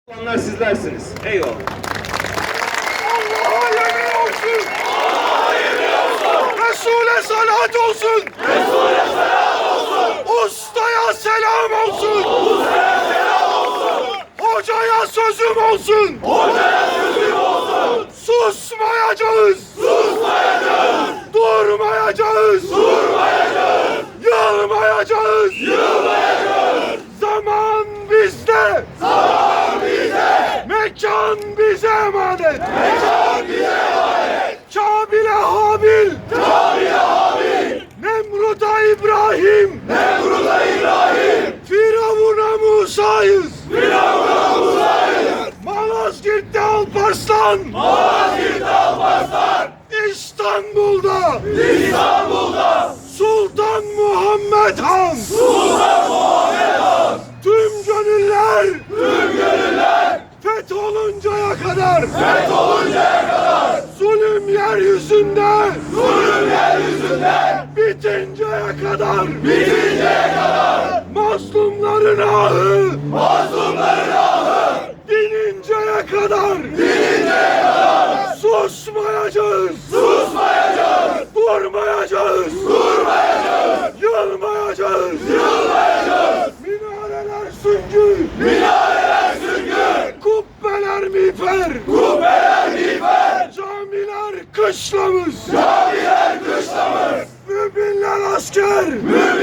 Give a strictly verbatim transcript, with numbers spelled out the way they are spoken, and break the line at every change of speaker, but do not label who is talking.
Olanlar sizlersiniz. Eyvallah.
Allah'a yemin olsun. Allah'a yemin olsun. Resul'e salat olsun. Resul'e salat olsun. Ustaya selam olsun. Ustaya selam olsun. Hocaya sözüm olsun. Hocaya sözüm olsun. Susmayacağız. Susmayacağız. Durmayacağız. Durmayacağız. Yılmayacağız. Yılmayacağız. Zaman bizde. Zaman bizde. Mekan bize emanet. Mekan bize emanet. Kabil'e Habil. Kabil'e Habil. Nemrut'a İbrahim. Nemrut'a İbrahim. Firavun'a Musa'yız. Firavun'a Musa'yız. Malazgirt'te Alparslan. Malazgirt'te Alparslan. İstanbul'da. İstanbul'da. Sultan Muhammed Han. Sultan Muhammed Han. Tüm gönüller. Tüm gönüller. Fetholuncaya kadar. Fetholuncaya kadar. Zulüm yeryüzünde. Zulüm yeryüzünde. Bitinceye kadar. Bitinceye kadar. Mazlumların ahı. Mazlumların ahı. Dininceye kadar. Dininceye kadar. Susmayacağız. Susmayacağız. Durmayacağız. Durmayacağız. Yılmayacağız. Yılmayacağız. Minareler süngü. Minareler süngü. Kubbeler miğfer. Kubbeler miğfer. Camiler kışlamız. Camiler kışlamız. Müminler asker. Müminler